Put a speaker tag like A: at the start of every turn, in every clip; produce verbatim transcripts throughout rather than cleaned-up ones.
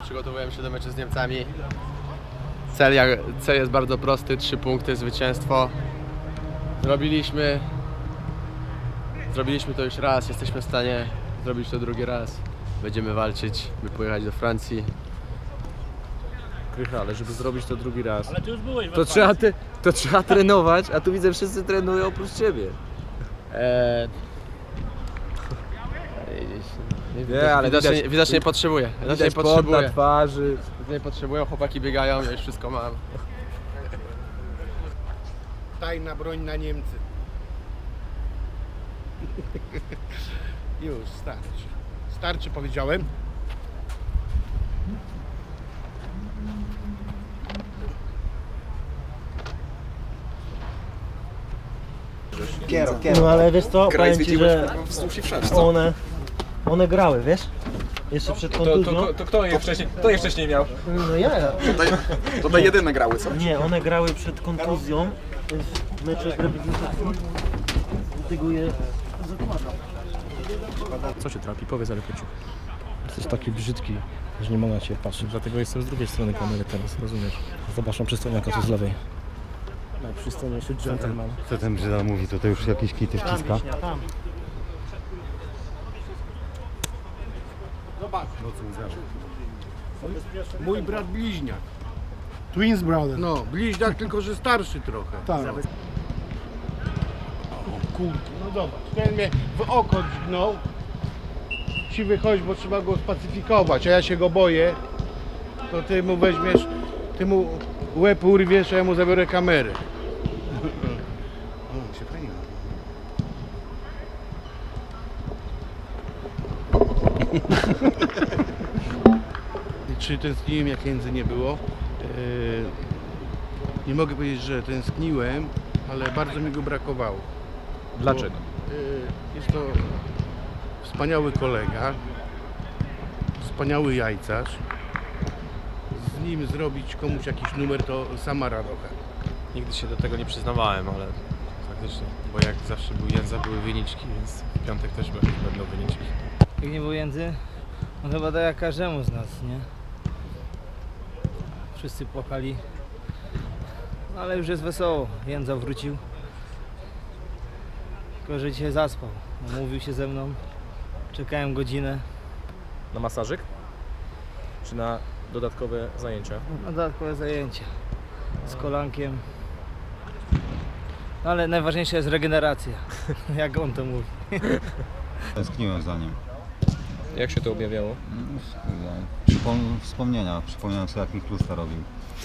A: przygotowujemy się do meczu z Niemcami. Cel, jak, cel jest bardzo prosty, trzy punkty, zwycięstwo. Zrobiliśmy, zrobiliśmy to już raz, jesteśmy w stanie zrobić to drugi raz. Będziemy walczyć, by pojechać do Francji.
B: Krycha, ale żeby zrobić to drugi raz,
C: Ale ty już byłeś
B: to trzeba, te, to trzeba trenować, a tu widzę, wszyscy trenują oprócz ciebie.
A: Eee,
B: Nie, ale
A: widocznie,
B: widać-
A: widocznie nie potrzebuję. Widocznie nie
B: Widać pot
A: potrzebuję.
B: na twarzy.
A: Nie potrzebują, chłopaki biegają, ja już wszystko mam.
D: Tajna broń na Niemcy. Już, starczy. Starczy, powiedziałem.
E: No ale wiesz co,
F: Graj
E: powiem ci, że
F: wzdłuż i wszerz, co?
E: one, one grały, wiesz? Jeszcze przed
B: To,
E: kontuzją.
B: to, to kto je wcześniej, kto je wcześniej miał?
E: No ja.
F: Tutaj, tutaj jedyne grały, co?
E: Nie, one grały przed kontuzją w meczu reprezentacji. Dlatego je zakładam.
B: Co się trapi? Powiedz, ale króciutko.
G: Jesteś taki brzydki, że nie mogę na ciebie patrzeć.
B: Dlatego jestem z drugiej strony kamery teraz, rozumiesz?
G: Zobacz, mam przystojniaka tu z lewej. Najprzystojniejszy gentleman.
H: Co ten Brzyda mówi, to, to już jakieś kity wciska.
E: Tam.
D: Mój brat bliźniak.
I: Twins brother.
D: No, bliźniak, tylko że starszy trochę.
I: Tak.
D: O kurde, no zobacz. Ten mnie w oko dźgnął. Ci wychodź, bo trzeba go spacyfikować, a ja się go boję. To ty mu weźmiesz, ty mu łeb urwiesz, a ja mu zabiorę kamerę. O, się fajnie. Czy tęskniłem, jak jędzy nie było? Eee, nie mogę powiedzieć, że tęskniłem, ale bardzo mi go brakowało.
B: Dlaczego?
D: Bo, eee, jest to wspaniały kolega, wspaniały jajcarz. Z nim zrobić komuś jakiś numer to sama radocha.
J: Nigdy się do tego nie przyznawałem, ale faktycznie, bo jak zawsze był Jędza, były wyniczki, więc w piątek też będą wyniczki.
K: Jak nie było Jędzy, no chyba tak jak każdemu z nas, nie? Wszyscy płakali, no ale już jest wesoło. Jędza wrócił, tylko że dzisiaj zaspał. Umówił się ze mną, czekałem godzinę.
B: Na masażyk? Czy na dodatkowe zajęcia?
K: Na dodatkowe zajęcia z kolankiem. No ale najważniejsza jest regeneracja, jak on to mówi.
H: Tęskniłem za nim.
B: Jak się to objawiało?
H: Przypom- wspomnienia, przypomniałem sobie, jak mi Klusta robił.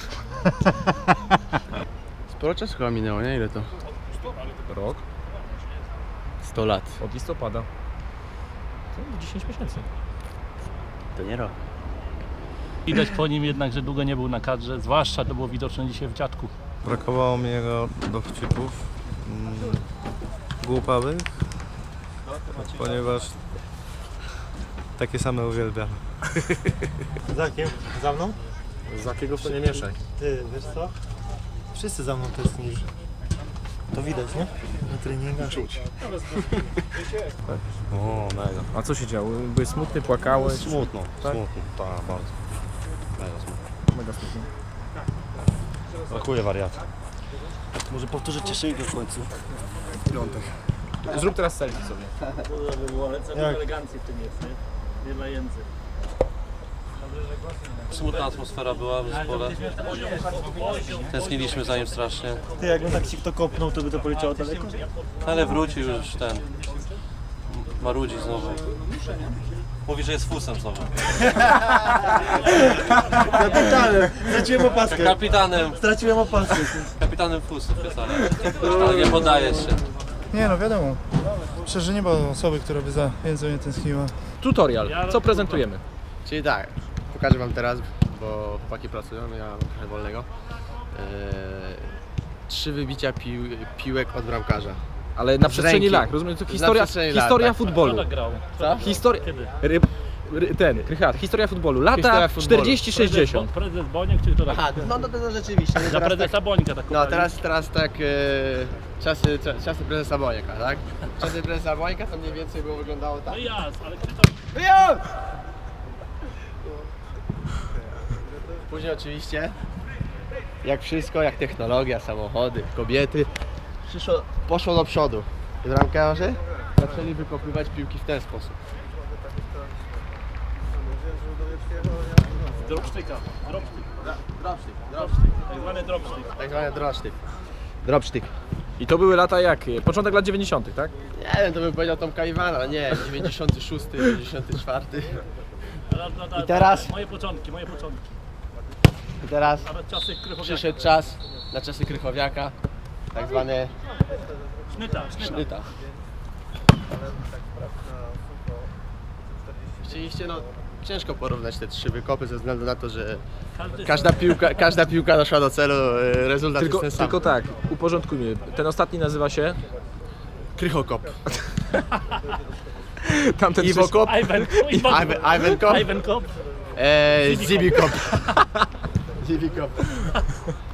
A: Sporo czasu chyba minęło, nie? Ile to?
B: Rok?
A: sto lat.
B: Od listopada. To dziesięć miesięcy.
A: To nie rok.
C: Widać po nim jednak, że długo nie był na kadrze, zwłaszcza to było widoczne dzisiaj w Dziadku.
L: Brakowało mi jego dowcipów mm, głupawych, ponieważ takie same uwielbiam.
E: Za kim? Za mną?
B: Z jakiego to nie mieszaj.
E: Ty, wiesz co? Wszyscy za mną tęsknisz. To widać, nie? Na treningach. Czuć.
L: O, mega.
B: A co się działo? Byłeś smutny, płakałeś?
L: Smutno,
B: Tak?
L: smutno, tak, bardzo. Mega smutno.
B: Mega smutny.
L: Brakuje wariata.
E: Może powtórzyć cieszynkę w końcu.
L: Piątek.
B: Zrób teraz selfie sobie.
C: Cała elegancji w tym jest, nie? Nie dla Jędzy.
J: Smutna atmosfera była w zespole. Tęskniliśmy za nim strasznie.
E: Ty, jakbym tak ci kto kopnął, to by to poleciało daleko?
J: Ale wrócił już ten. Marudzi znowu. Mówi, że jest fusem znowu.
E: Kapitanem! Straciłem opaskę.
J: Kapitanem.
E: Straciłem opaskę.
J: Kapitanem fusów jest, ale, ale nie podaje się.
I: Nie no, wiadomo. Przecież nie ma osoby, która by za Jędzą nie tęskniła.
B: Tutorial. Co prezentujemy?
A: Czyli tak, pokażę wam teraz, bo chłopaki pracują, ja mam trochę wolnego. Eee, trzy wybicia pił, piłek od bramkarza.
B: Ale na
A: Z
B: przestrzeni
A: ręki.
B: lat, rozumiem? To
A: Na
B: historia,
A: przestrzeni lat,
B: historia
A: tak.
B: futbolu.
C: Kto tak grał?
A: Co?
B: Historia...
C: Kiedy?
B: Ry, ry, ten, Krychat, historia futbolu. Lata
A: Historia futbolu.
B: czterdzieści sześćdziesiąt.
C: Prezes, prezes Boniek czy kto tak?
A: Aha, no, no, no rzeczywiście.
C: Za
A: teraz
C: prezesa
A: tak,
C: Bońka tak
A: no
C: kupali.
A: teraz, teraz tak e, czasy, cza- czasy prezesa Bońka, tak? Czasy prezesa Bońka to mniej więcej było wyglądało tak.
C: No jas, ale kto tam...
A: Wyjął! później oczywiście, jak wszystko, jak technologia, samochody, kobiety, przyszło, poszło do przodu. I bramkarze zaczęli wykopywać piłki w ten sposób.
C: Dropsztyka, dropsztyk,
A: Dropsztyk, dropsztyk.
C: tak zwany dropsztyk.
A: Tak zwany dropsztyk. Dropsztyk.
B: I to były lata jakie? Początek lat dziewięćdziesiątych, tak?
A: Nie wiem, to bym powiedział Tomka Iwana, nie, dziewięćdziesiąty szósty, dziewięćdziesiąty czwarty. I teraz?
C: Moje początki, moje początki.
A: I teraz
C: Nawet czasy Krychowiaka.
A: przyszedł czas na czasy Krychowiaka, tak zwane
C: Sznyta, sznyta.
A: sznyta. Oczywiście no, ciężko porównać te trzy wykopy ze względu na to, że
C: Każdy
A: każda piłka, każda piłka doszła do celu, e, rezultat
B: Tylko,
A: jest ten sam.
B: tylko tak, uporządkujmy. Ten ostatni nazywa się...
A: Krychokop.
B: Tamten
A: Iwokop.
C: Iwan,
A: Iwan, Iwan Kop.
C: Iwan Kop.
A: Eee, Zibikop. Zibikop.